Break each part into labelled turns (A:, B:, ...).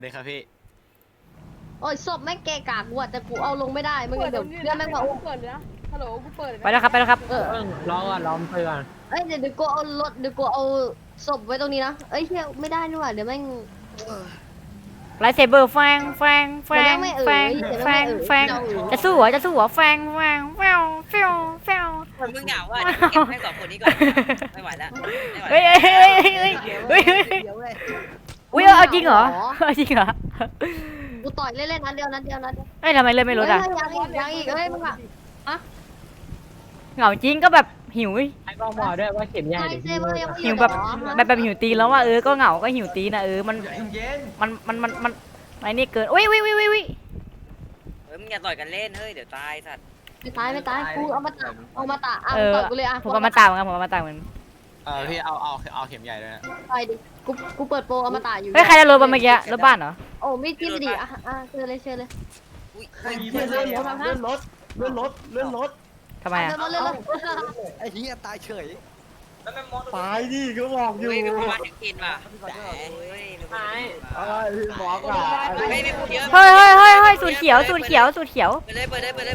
A: เลยครับพี่
B: โอ้ยศพไม่เกะกะกูแต่กูเอาลงไม่ได้มึงเดี๋ยวเรื่องแม่งมาอุ้ม
C: เปิดเลยนะฮัลโหลกูเปิดเลยนะ
D: ไปแล้วครับไปแล้วครับ
E: รอก่อนรอมเพื่อน
B: เอ้ยเดี๋ยวกูเอารถเดี๋ยวกูเอาศพไว้ตรงนี้นะเอ้ยเฮียไม่ได้นี่หว่าเดี๋ยวแม่ง
D: ไลท์เซเบอร์แฟงแฟงแฟงแฟงแฟงแฟงจะสู้เหรอจะสู้เหรอแฟงแฟงแฟงแฟงแฟง
F: มึงเหงาว่ะเก็บแม่งสองคนนี้ก่อนไม่ไหวแล้วไม่ไหว
D: เฮ้ยเฮ้ยเฮ้ยเฮ้ยเฮ้ยอุ้ยเอาจริงเหรอเอาจริงเหรอ
B: กูต่อยเล่นๆนัดเดียวนัดเดียวนัดเดียว
D: เฮ้ยทำไมเล่นไม่ลดอ่ะ
B: ยังอีกเฮ้ยมึงอะ
D: เหงาจริงก็แบบหิว
E: ไอ้กล้องบอกด้วยว่าเข็มใหญ่
B: ไอ
E: เดี๋ยว
B: เซ
E: พี่
B: เบอร์ยังไม่
D: หิวแบบหิวตีนแล้วว่าก็เหงาก็หิวตีนนะมันไอ้นี่เกินอุ้ยอุ้ยอุ้ยอุ้ย
F: มึงอย่าต่อยกันเล่นเฮ้ยเดี๋ยวตายสัตว์
B: ไม่ตายกูเอามาตะอ่ะต่อยกูเลยอ่ะ
D: ผมเอามาตามเหมือนกันผมเอามาตามเหมือน
A: พี่เอาเข็มใหญ่ด้วยนะ
B: ไปดิกูเปิดโปรเอามาตะอยู่
D: เฮ้ยใครจะรถเมื่อกี้รถบ้านเหรอ
B: โอ้ไม่จิ้มดิอ่ะเชิญเลย
F: อุ้ย
C: เลื่อนรถ
E: เลื่อนรถ
D: ทำไมอ่ะ
B: เดินมาเลย
G: ไอ้เหี้ยตายเฉย
E: ตายดิก็บอกอยู่
F: เฮ้ยมีคนมาถึงกินว่ะเฮ้ย
E: พี่บอกอ่ะ
F: ไม่ไม่พูดเยอะ
D: เฮ้ยเฮ้ยเฮ้ยเฮ้ยสูตรเขียวสูตรเขียวสูตรเขียว
F: ไปเลย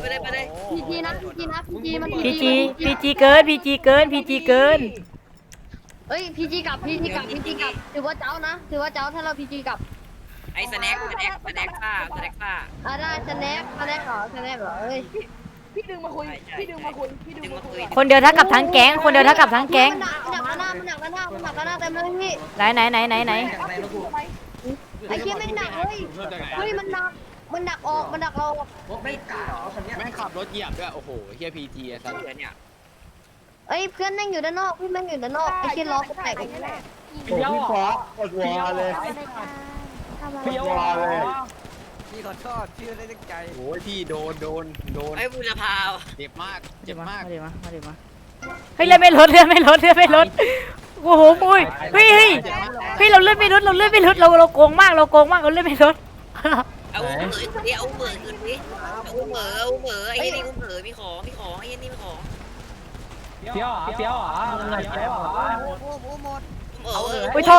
B: พีจีนะมัน
D: พีจีเกินพีจีเกินพีจีเกิน
B: เอ้ยพีจีกลับถือว่าเจ้านะถือว่าเจ้าถ้าเราพีจีกลับ
F: ไอ้สแน็คป้า
B: ได้สแน็คเหรอเอ้ย
C: พี่ดึงมาคุยพี่ดึงมาคุย
D: คนเดียวเท่ากับทั้งแก๊งคนเดียวเท่ากับทั้งแก๊ง
B: มันหนักหน้าเต็มเลยพี่
D: ไหน
B: ไอ้เคี้ยไม่หนักเลยเฮ้ยมันหนักออกมันหนักเรา
A: แม่งขับรถเหยียบด้วยโอ้โหเฮียพีจีไอ้สัส
F: เดี๋ยวเนี่ย
B: เอ้ยเพื่อนนั่งอยู่ด้านนอกพี่แม่งอยู่ด้านนอกไอ้เคี้ยล้อก็แตก
E: พี่ฟอกกดวอเลย พี่วอเลย
G: พี่ขอโทษพี่ไม่ได้ตั้งใจ
A: โอ้ยพี่โดน
F: ไอ้บุรพาว
A: เจ็บมาก
D: มาดิมาเฮ้ยเลื่อนไม่ลดโอ้โหปุ้ยเฮ้ยเราเลื่อนไม่ลดเราโกงมากเราเลื่อนไม่ลด
F: เอาเหมือขึ้นดิเอาเหมือไอ้นี่เหมือมีของไอ้นี่มีของ
E: เฟี้ยวเหรอเฟี้ยวเหรอ
G: โอ้โหหมด
D: อุ้ยโทษ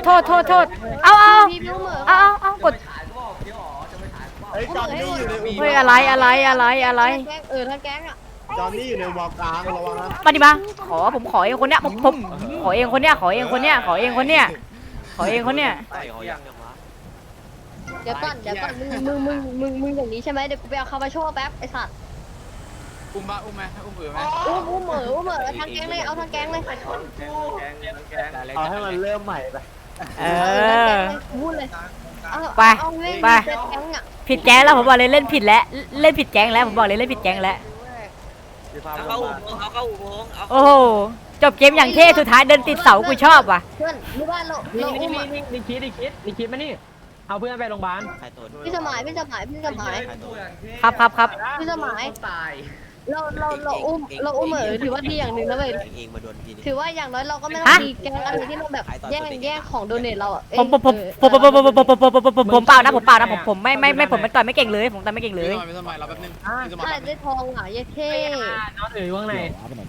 D: เอากด
E: ไอ้จอนนี่อยู่ใน
D: เฮ้ยอะไร
B: ถ้าแก๊งอ่ะ
E: จอนนี่อยู่ในวอลกลางระวังนะ
D: มาดิมาผมขอเองคนเนี้ยผมขอเองคนเนี้ย
B: เดี๋ยวก่อนมึงอย่างนี้ใช่ไหมเดี๋ยวกูไปเอาคาบาโชแป๊บไอ้สัตว์
A: อุ้มไหมอุ้มไหม
B: อุ้มเหม่อทางแก๊งเลยเอาทางแก๊งเลย
E: เอาให้มันเริ่มใหม่ไป
B: พูดเลย
D: ไป
B: แก๊งอ่ะ
D: ผิดแก๊งแล้วผมบอกเลยเล่นผิดแก๊งแล้วผมบอกเลยเล่นผิดแก๊งแล้ว
F: เอาเข้าอุโมงค์
D: โอ้โหจบเกมอย่างเท่สุดท้ายเดินติดเสากูชอบว่ะ
B: เพื่อนรู้ว่าเรา
E: นี่
B: อุ้ม
E: นี่คิดมานี่เอาเพื่อนไปโรงพยาบาล
B: พี่สมัย
D: ครับ
B: พี่สมัยเราอุ้มเหม่อถือว่าดีอย่างหนึ่งนะเว้ยถือว่าอย่างน้อยเราก็ไม่ต้องมีแก๊งอะไรที่เราแบบแย่งของโดเนทเราอ่ะ
D: ผมเปล่านะผมไม่ผมต่อยไม่เก่งเลยผมต่อยไม่เก่งเลย
A: พี่สมัยเราแป๊บนึงพี่สมั
B: ถ้าย ได้ทองอ่ะเย้เท่
E: น้องถือว่างไหน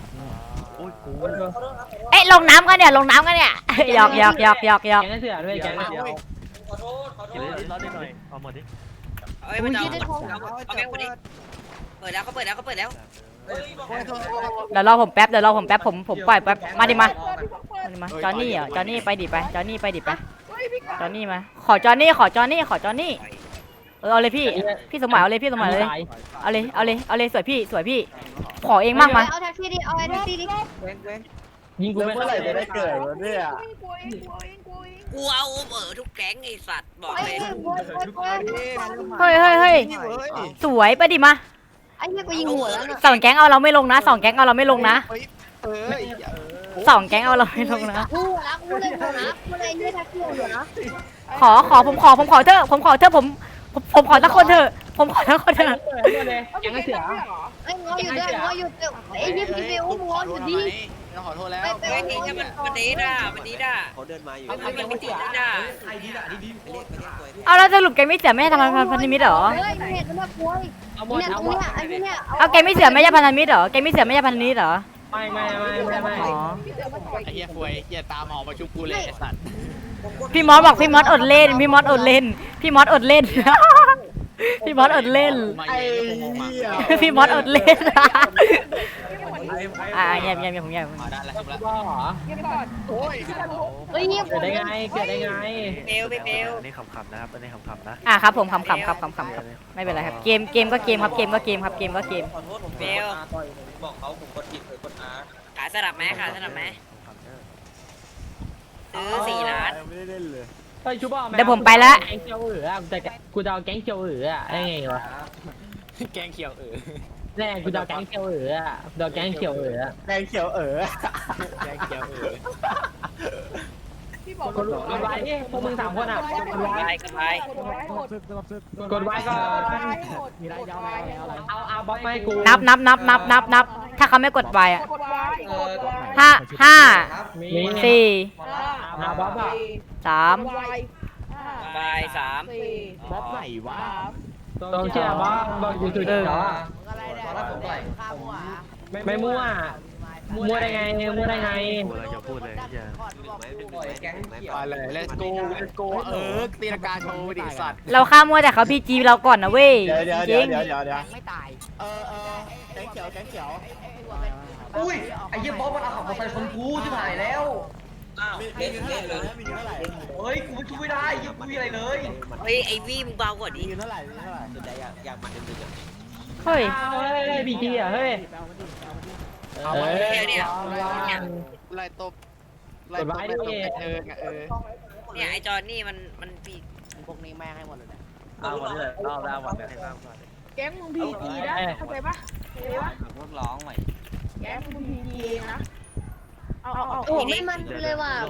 D: เอ๊ะลงน้ำกันเนี่ยหยอก
E: แกงเสือด้วยแกงเสือ
F: เอ้ยมันเอาแม่งคนนี้เปิดแล้วเขาเปิดแล้ว
D: เดี๋ยวรอผมแป๊บผมปล่อยแป๊บมาดิมาจอนนี่เหรอจอนนี่ไปดิไปจอนนี่มาขอจอนนี่เอาเลยพี่สมัยเอาเลยสวยพี่ขอเองมากมา
B: เอาแท็กซี่ดิเอาแท็กซี่ดิ
E: ยิงกูเมื่อไหร่จะได้เกิดวะเนี่ย
F: กูเอาเหมือทุกแก๊งไอ้สัตว์บอกเลย
D: เฮ้ยสวยไปดิมา
B: ไอ้เหี้ยกูยิงหัวแล้วน่ะ
D: สองแก๊งเอาเราไม่ลงนะสองแก๊งเอาเราไม่ลงนะ
B: กูเลยหัวนะกูเลยยืดแท็กซี่หัวนะ
D: ผมขอเถอะผมขอสักคนเถอะ
E: แกงเสือ
B: ไอ้งออยู่ด้วยไอ้ยี่พี่ฟิวงออยู่ดิ
A: ขอโทษแล้ว
F: เฮ้ยนี่แค่มันดีด่า
G: เขาเดินมาอยู่
F: มันไม่ติดด่า
D: เอาแล้วสรุปแก๊งไม่เสือไม่ใช่พันธมิตรเหรอ
B: เฮ้ยเห็นมันแบบป่วย
E: เอาหมด
B: เนี่ยต
E: เอา
B: รง
E: หมด
B: เนี้ยไอ้เนี่ย
D: เอาแก๊งไม่เสือไม่ใช่พันธมิตรเหรอแก๊งไม่เสือไม่ใช่พันธมิตรเหรอ
E: ไม่
D: อ๋อ
A: ไอ้เฮียฟวยเฮียตามหอมาชุบกูเลยไอ้สัส
D: พี่มอสบอกพี่มอสอดเล่น พี่มอสอดเล่น พี่มอสอดเล่น พี่มอสอดเล่น
A: ไอ้เหี้ย
D: พี่มอสอดเล่น เงียบผมเงียบ
A: มาได้แล้วครับ
E: บ้าเหรอ
C: เก็บก่อน
A: โอ้ย
B: เฮ้ยเงียบ
E: เกิดได้ไงเกิดได้ไง
F: เบลพี่เบล
G: นี่ขำๆนะครับอันนี้ขำๆนะ
D: ครับผมขำครับไม่เป็นไรครับ เกมก็เกมครับ เกมก็เกมครับ เกมก็เกม
F: เบลขายสลับไหมขายสลับไหมซื้อ4 ล้าน
E: ไม่ได้เล่นเลย
H: เฮ้ยชูบอล
D: เดี๋ยวผมไปละ
H: แก๊งเขียวเอ๋อกูจะเอาแก๊งเขียวเอ๋อได้ไงวะ
A: แกงเขียว
H: แน่กูจะเอาแก๊งเขียวเอ๋อจะเอาแก๊งเขียวเอ๋อ
E: แดงเขียว
A: แกงเขียว
C: พี่บอก
H: กดไว้ดิพวกมึง3 คนอ่ะกดไว้
F: กันไป
C: กดไว้หมด
H: กดไว้ก่อน
C: มีไรยาวอะไร
H: เอาบล็อกไม่กู
D: นับ ถ้าเขาไม่กดไปอ่ะ
C: กดไว้กดไว้
D: ห้า
H: มี
D: สี่
H: บล็อกอ่ะ
D: สาม
C: ไว้
F: บาย3
E: บ๊อบไหนวะ
H: ต้องเชื่อบล็อกอยู่จุดเดิมไม่มั่วมั่วได้ไง
G: อย่าพูดเลยอย่า
A: มาเลย let's go ตีลังกาโชว์ดิสัตว์
D: เราข้ามมัวแต่เขาพีจีเราก่อนนะเว้ย
E: เดี๋ยว
D: จริง
E: ไม่ตายแดงเขียว
I: อุ้ยไอ้เหี้ยบอสมันเอาของมาใส่คนกูชิบหายแล้วเฮ้ยกูช่วยไม่ได้ยังกูอะไรเลย
F: เฮ้ยไอวี่มึงเบากว่าดิ
E: มีเท่าไหร่
G: สนใจอยากมันดึง
D: เฮ้ย
H: เฮ้ยบีจีอ่ะเฮ้ย
A: เอาไว้
F: เนี่ย
A: ไล่ตบไล่ตบไล่ตบ
F: เนี่ยไอจอนนี่มันปี
G: พวกนี้แม่งให้หมดเลย
I: เอาหมดเลย
G: เอาได้หมดเลย
C: แก๊งมึงพีจีนะเข้าใจปะเข้าใจปะ
G: พวกร้องใหม่
C: แก๊งมึงพีจีนะเอา
B: โอ้ไม่มันเลยว่ะ